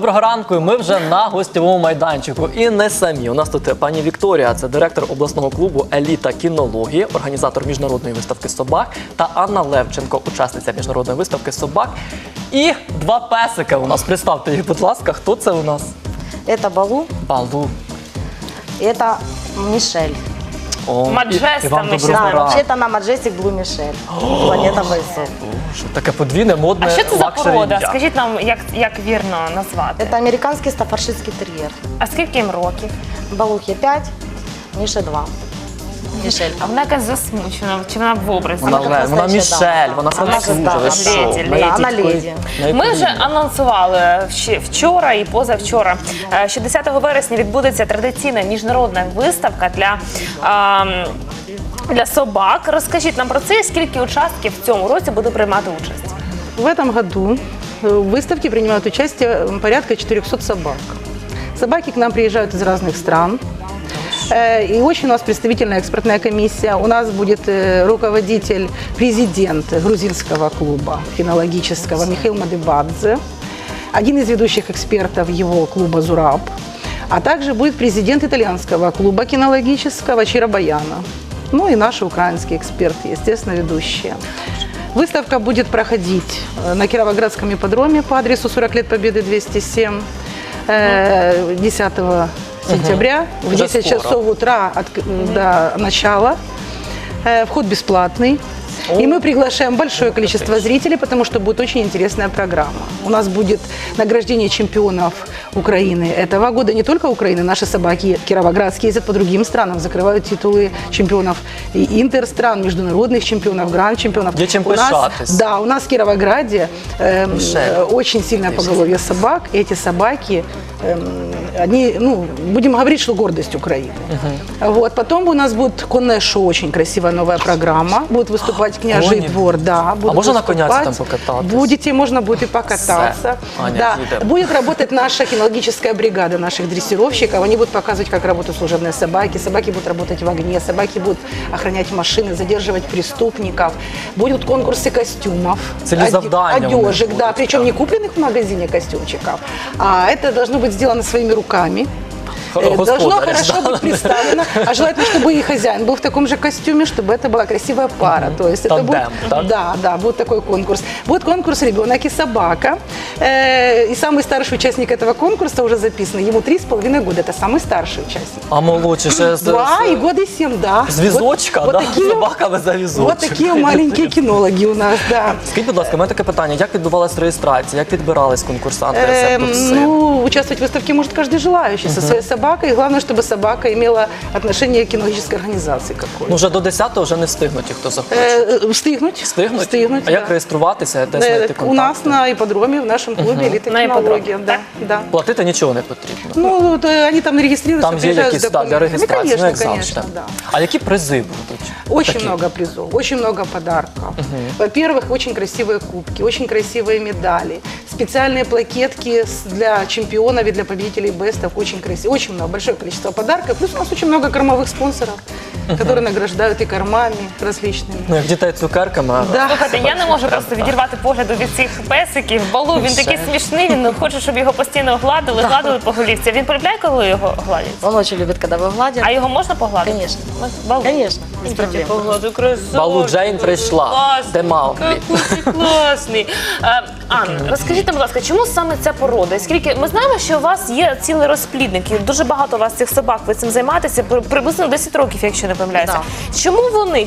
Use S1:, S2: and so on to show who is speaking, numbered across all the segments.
S1: Доброго ранку, ми вже на гостєвому майданчику. І не самі. У нас тут пані Вікторія, це директор обласного клубу «Еліта кінології», організатор міжнародної виставки собак, та Анна Левченко, учасниця міжнародної виставки собак. І два песики у нас. Представте їх, будь ласка, хто це у нас?
S2: Это Балу,
S1: Балу.
S2: это Мишель.
S1: О,
S3: Маджеста
S1: і вам
S3: ми ще
S1: доброго
S2: Да,
S1: ранку.
S2: вообще-то она Majestic Blue Мишель. Планета Бойцов.
S1: Що таке подвійне, модне,
S3: А що це за
S1: лакшері
S3: порода?
S1: ім'я.
S3: Скажіть нам, як вірно назвати.
S2: Это американский стаффордширский терьер.
S3: А скільки їм років?
S2: Балухе 5, Мише 2. Мишель.
S3: А вона якась засмучена, чи вона в образі?
S1: Вона
S2: настоящая
S1: Мішель,
S2: дама.
S1: вона
S2: Вона
S1: францужа, ви що?
S3: леді,
S1: Ми
S2: да, вона
S1: тільки
S2: леді.
S3: Ми вже анонсували ще вчора і позавчора, що 10 вересня відбудеться традиційна міжнародна виставка для собак. Розкажіть нам про це, скільки учасників в цьому році буде приймати участь?
S4: В этом году в выставке принимают участие порядка 400 собак. Собаки к нам приезжают из разных стран. И очень у нас представительная экспертная комиссия. У нас будет руководитель, президент грузинского клуба кинологического Михаил Мадыбадзе, один из ведущих экспертов его клуба «Зураб», а также будет президент итальянского клуба кинологического Чиро Баяна. Ну и наши украинские эксперты, естественно, ведущие. Выставка будет проходить на Кировоградском ипподроме по адресу 40 лет Победы 207 10 сентября в
S1: Уже
S4: 10
S1: скоро.
S4: часов утра до начала. Вход бесплатный. И мы приглашаем большое количество зрителей, потому что будет очень интересная программа. У нас будет награждение чемпионов Украины этого года. Не только Украины, наши собаки кировоградские ездят по другим странам, закрывают титулы чемпионов и интерстран, международных чемпионов, гранд-чемпионов.
S1: Є чим
S4: У нас,
S1: пишатись.
S4: да, у нас в Кировограде
S1: Мишель.
S4: очень сильное поголовье собак. И эти собаки, они, ну, будем говорить, что гордость Украины. Вот. Потом у нас будет конное шоу, очень красивая новая программа. Будет выступать княжий
S1: Коні?
S4: двор. Да, будут
S1: можно на
S4: выступать.
S1: коняці там покататься?
S4: Будете, можно будет и покататься.
S1: Все. Аня,
S4: Да.
S1: едем.
S4: Будет работать наша кинологическая бригада наших дрессировщиков. Они будут показывать, как работают служебные собаки. Собаки будут работать в огне, собаки будут охранять машины, задерживать преступников. Будут конкурсы костюмов,
S1: Цели завдания у них
S4: одежек, да,
S1: будут,
S4: причем
S1: да.
S4: не купленных в магазине костюмчиков, а это должно быть сделано своими руками. Должно
S1: Господаря,
S4: хорошо
S1: да.
S4: быть представлено, а желательно, чтобы и хозяин был в таком же костюме, чтобы это была красивая пара. То есть это
S1: Тандем,
S4: будет,
S1: так?
S4: да, будет такой конкурс. Будет конкурс «Ребенок и собака». И самый старший участник этого конкурса уже записан. Ему 3,5 года. Это самый старший участник.
S1: А молодші ще
S4: 2 и года 7, да.
S1: з візочка,
S4: Вот
S1: да?
S4: такие,
S1: Собаками за візочок.
S4: вот такие маленькие кинологи у нас, да.
S1: Скажіть, будь ласка, у мене таке питання. Як відбувалась реєстрація? Як відбирались конкурсанти, рецепту пси?
S4: Ну, участвовать в выставке может каждый желающий со своей собакой. И главное, чтобы собака имела отношение к кинологической организации какой-то.
S1: Ну, вже до 10-го вже не встигнуть, ті, хто захоче.
S4: Встигнуть.
S1: Встигнуть?
S4: Встигнуть,
S1: А як
S4: да.
S1: реєструватися, де знайти контакти?
S4: У нас на ипподроме, в нашем клубе «Элита
S3: На
S4: кинологии».
S3: ипподроме,
S4: Да,
S3: так?
S4: да.
S1: Платити нічого не потрібно.
S4: Ну, вот, они там регистрируются,
S1: Там є
S4: приезжают
S1: якісь
S4: с
S1: для
S4: документами.
S1: реєстрації,
S4: Ну,
S1: як
S4: конечно,
S1: завжди.
S4: да.
S1: А які призи будуть?
S4: Очень
S1: Такі?
S4: много призов, очень много подарков. Во-первых, очень красивые кубки, очень красивые медали, специальные плакетки для чемпионов и для победителей бестов, очень красиво, очень много, большое количество подарков. Плюс у нас очень много кормовых спонсоров, которые награждают и кормами различными.
S1: Ну, як дітей цукерками. а
S4: Да.
S3: Слухайте, я не можу просто відірвати погляду від цих песиків. Балу, він такий смішний, він хоче, щоб його постійно гладили по голівці. Він полюбляє, коли його гладять?
S2: Он очень любит, когда его гладят.
S3: А його можна погладити?
S2: Конечно.
S3: Балу.
S2: Конечно, без проблем.
S3: Погладу, красавчик.
S1: Балу Джейн прийшла.
S3: Класний,
S1: Де Мауглі?
S3: який ти класний. Анна, розкажіть нам, будь ласка, чому саме ця порода? І скільки ми знаємо, що у вас є цілий розплідник, і дуже багато у вас цих собак, ви цим займаєтеся, приблизно 10 років, якщо не помиляюся. Чому вони?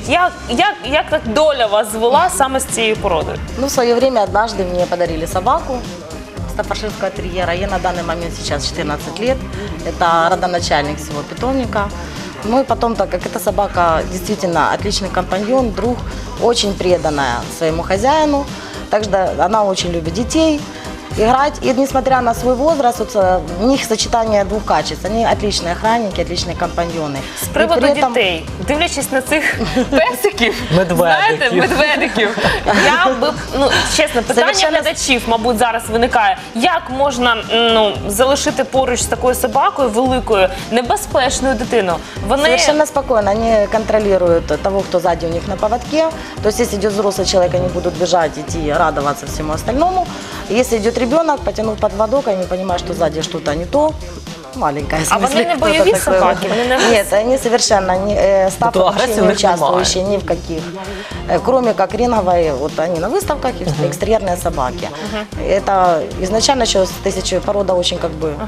S3: Як так доля вас звела саме з цією породою?
S2: Ну, в свое время однажды мне подарили собаку стаффордширского терьера. Ей на данный момент сейчас 14 лет. Это родоначальник всего питомника. Ну и потом, так как эта собака действительно отличный компаньон, друг, очень преданная своему хозяину. Также она очень любит детей, играть. И несмотря на свой возраст, вот, у них сочетание двух качеств. Они отличные охранники, отличные компаньоны.
S3: З
S2: И
S3: приводу
S2: при этом-
S3: дітей, дивлячись на цих песиків,
S1: Медведиків.
S3: знаєте, медведиків, я би, ну, чесно, питання
S2: Совершенно-
S3: глядачів, мабуть, зараз виникає. Як можна залишити поруч з такою собакою великою, небезпечною дитину? Вони
S2: Совершенно спокойно. Они контролируют того, кто сзади у них на поводке. То есть, если идет взрослый человек, они будут бежать, идти, радоваться всему остальному. Если идет ребенок, потянув подводок, они понимают, что сзади что-то не то. Маленькая, в
S3: А
S2: смысле,
S3: вони не
S2: кто-то
S3: бойові
S2: такой.
S3: собаки? Вони не
S2: Нет, они совершенно не, став
S1: То
S2: вообще
S1: агрессии у
S2: не
S1: них
S2: участвующие ни в каких. Кроме как ринговой, вот они на выставках, и экстерьерные собаки. Это изначально еще порода очень как бы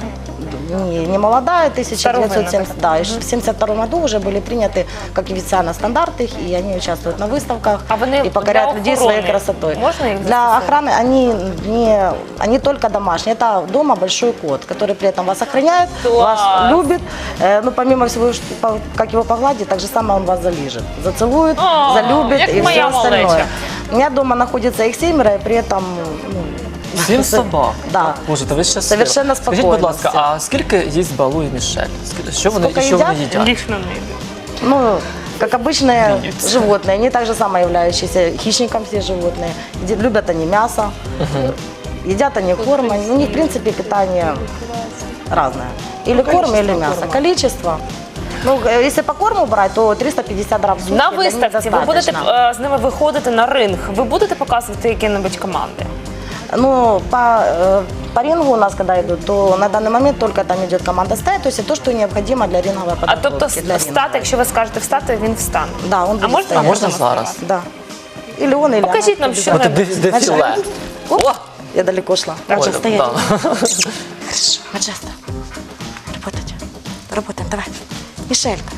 S2: не молодая, 1970, да, и в 1972 году уже были приняты как официально стандарты, и они участвуют на выставках
S3: А вони
S2: и покоряют
S3: для
S2: людей
S3: охорони
S2: своей красотой.
S3: можна їх
S2: Для
S3: застосовувати?
S2: охраны они только домашние. Это дома большой кот, который при этом вас охраняет,
S3: Класс.
S2: вас любит. Ну, помимо всего, как его погладить, так же самое он вас залижет, зацелует,
S3: О,
S2: залюбит
S3: як
S2: и все
S3: моя
S2: остальное.
S3: малеча.
S2: У меня дома находится их 7, и при этом... ну,
S1: 7 собак?
S2: Да.
S1: Боже, то ви щаслива.
S2: Совершенно
S1: Скажіть, будь
S2: спокійно
S1: ласка,
S2: всі.
S1: а скільки їсть Балу і Мішель? Що вони
S2: Скільки їдять?
S3: Лічно не йде.
S2: Ну, как обычные
S1: Видите.
S2: животные, они также самое являющиеся хищником все животные. Любят они мясо, едят они корм. У них, в принципе, питание разное. Или корм, или мясо. Количество. Ну, если по корму брать, то 350 грамм в сутки.
S3: На
S2: для них
S3: виставці ви будете
S2: достаточно.
S3: з ними виходити на ринг. Ви будете показувати які-небудь команди?
S2: Ну, по рингу у нас, когда идут, то на данный момент только там идет команда стаи, то есть то, что необходимо для ринговой
S3: А
S2: подготовки.
S3: тобто
S2: для
S3: встати,
S2: ринговой.
S3: якщо ви скажете встати, він встане.
S2: Да, он будет
S3: можна-
S2: стоять.
S1: А можна зараз?
S2: Да. Или он, или
S3: Покажіть
S2: она.
S3: нам, що
S1: От
S3: не
S1: дефіле.
S2: Оп, я далеко шла.
S1: Ой,
S2: Маджа, стоять.
S1: да.
S2: Хорошо, Маджеста. Работать. Работаем, давай. Мишелька.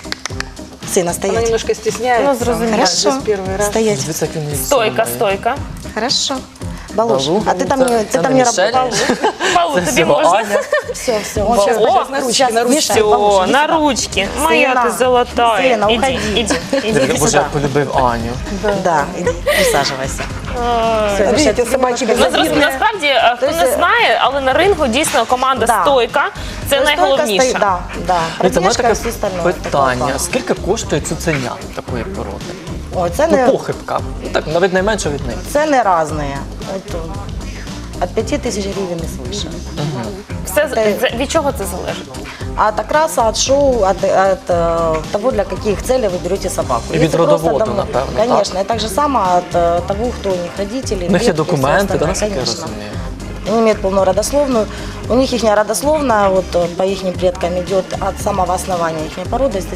S2: Сына
S4: Она
S2: стоять.
S4: немножко стесняется.
S3: Ну, зрозуміло.
S2: Хорошо.
S4: Здесь первый раз.
S2: Стоять.
S1: Дивіться, як він їсть
S3: Стойка,
S1: сумує.
S3: стойка.
S2: Хорошо. Балуш,
S1: Балу.
S2: а ты там не,
S1: Це
S2: ты там
S1: не
S2: не
S1: Мішель?
S2: работал.
S3: Павло,
S1: Це
S3: тобі
S1: всього
S3: можна?
S1: Аня.
S2: Все, все.
S3: Балу.
S2: сейчас,
S3: О,
S4: на ручки,
S2: сейчас,
S4: на ручки.
S2: Миша, Балуш,
S3: Все,
S2: иди
S3: на
S2: сюда.
S3: ручки. Моя
S2: Сына,
S3: ти золотая.
S2: сына,
S3: Іди,
S2: уходи.
S3: іди, іди.
S2: Иди
S1: Боже,
S2: сюда.
S1: як полюбив Аню.
S2: Да, иди, присаживайся. Всё,
S4: Видите,
S2: Мишель, тебе
S4: собаки
S2: немножко
S3: Ну, зрозуміло, насправді, хто
S2: Тобто,
S3: не знає, але на рингу дійсно команда
S2: Да.
S3: стойка це
S2: Стойка
S3: найголовніше.
S2: стоит, да, да.
S1: Дивіться, в мене
S2: Пробежка,
S1: таке
S2: все остальное.
S1: питання.
S2: Такое.
S1: Скільки коштує цуценя такої породи?
S2: Ой,
S1: Ну,
S2: цены,
S1: похибка. Ну, так, навіть найменше від них.
S2: цены разные. Это от 5000 гривен и свыше.
S3: Все від чого це залежить?
S2: От окраса, от шоу, от того, для каких целей вы берете собаку.
S1: И від
S2: Если просто
S1: родоводу,
S2: домой-
S1: напевно, так?
S2: Конечно, и так же само от того, кто у них родители.
S1: У них є
S2: предки,
S1: документи,
S2: всё
S1: да,
S2: остальное,
S1: наскільки я
S2: конечно.
S1: розумію?
S2: Они имеют полную родословную. У них их родословная, вот по их предкам идет от самого основания их породы с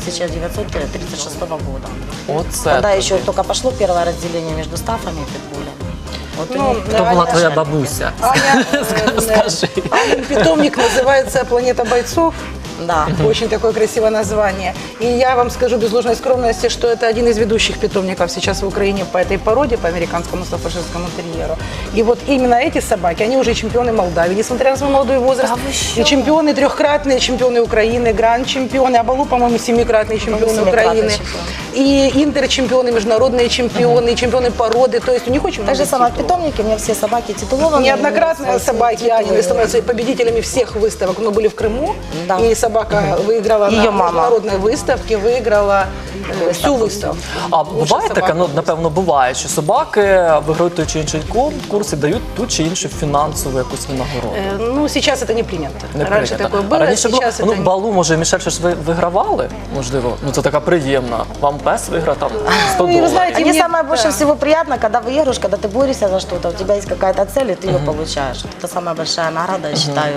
S2: 1936 года.
S1: Оце.
S2: Когда
S1: тобі.
S2: еще только пошло первое разделение между стафами и питбулем. Вот у
S4: Ну,
S2: них
S1: Хто була
S4: Аня-
S1: твоя бабуся?
S4: Аня,
S1: Скажи.
S4: Анин питомник называется «Планета бойцов».
S2: Да.
S4: Очень такое красивое название. И я вам скажу без ложной скромности, что это один из ведущих питомников сейчас в Украине по этой породе, по американскому стаффордширскому терьеру. И вот именно эти собаки, они уже чемпионы Молдавии, несмотря на свой молодой возраст.
S3: Да вы что?
S4: И чемпионы, трехкратные чемпионы Украины, гранд-чемпионы, а Балу, по-моему, семикратные чемпионы
S2: семикратный
S4: Украины.
S2: чемпион.
S4: И интерчемпионы, международные чемпионы, и чемпионы породы. То есть у них очень
S2: Так
S4: много
S2: же самое в
S4: титулов.
S2: питомнике, у меня все собаки титулованные.
S4: Неоднократно
S2: имеют свои
S4: собаки
S2: титулы.
S4: Анины становятся победителями всех выставок. Мы были в Крыму,
S2: Да.
S4: и собака выиграла
S2: Её
S4: на
S2: мама.
S4: международной выставке, выиграла всю выставку.
S1: А
S4: Лучшая
S1: буває таке,
S4: собака.
S1: ну напевно буває, що собаки виграють той чи інший конкурс і дають ту чи іншу фінансову якусь винагороду.
S4: Ну, сейчас это не принято.
S1: Не
S4: Раньше
S1: прийнято.
S4: такое
S1: А
S4: было,
S1: раніше було,
S4: сейчас
S1: ну,
S4: это не.
S1: Балу, може, Мішель, щось ви вигравали? Можливо, ну це така приємна. Вам пес виграв там 100
S4: Ну, и вы
S1: доларів.
S4: знаете,
S2: Мне
S4: мне-
S2: самое больше
S4: да.
S2: всего приятно, когда выигрываешь, когда ты борешься за что-то, у тебя есть какая-то цель, и ты ее получаешь. Вот это самая большая награда, я считаю,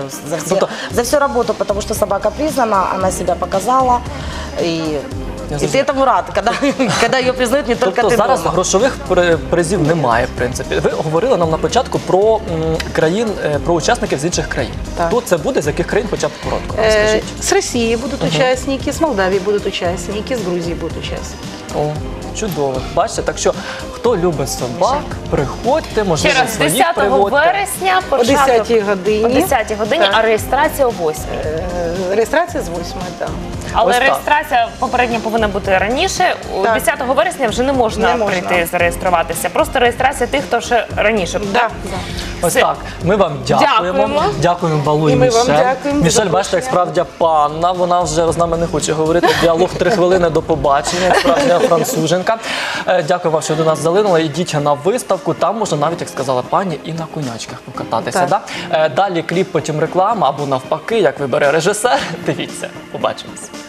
S2: за всю работу, потому что собака признана, она себя показала, и ты этому рад, когда ее признают не только
S1: Тобто
S2: ты
S1: зараз
S2: дома.
S1: грошових призів немає, в принципі. Ви говорили нам на початку про країн, про учасників з інших країн.
S4: Так.
S1: Хто це буде, з яких країн, хоча б коротко
S4: Э,
S1: розкажіть.
S4: С России будут участники, с Молдавии будут участники, с Грузии будут участники.
S1: О, чудово. Бачите, так що хто любить собак, приходьте,
S3: Ще
S1: можливо,
S3: раз,
S1: своїх
S3: 10
S1: приводьте.
S3: вересня
S4: О
S3: початок
S4: 10 годині.
S3: о 10 годині,
S4: Так.
S3: а реєстрація о 8.
S4: Регистрация с 8, да.
S3: Але
S1: Ось так.
S3: реєстрація попередньо повинна бути раніше.
S4: Так.
S3: 10 вересня вже не можна,
S4: Не можна.
S3: прийти зареєструватися. Просто реєстрація тих, хто ще раніше.
S4: Да,
S3: так?
S4: да.
S1: Ось
S3: Все.
S1: так. Ми вам дякуємо.
S3: Дякуємо.
S1: Дякуємо Балу і
S4: І ми вам
S1: Мішель.
S4: дякуємо за
S1: Мішель, бачите, як справді панна. Вона вже з нами не хоче говорити. Діалог 3 хвилини до побачення, як справжня француженка. Дякую вам, що до нас залинули. Йдіть на виставку. Там можна навіть, як сказала пані, і на конячках покататися.
S4: Так.
S1: Да? Далі кліп, потім реклама або навпаки, як вибере режисер. Дивіться, побачимось.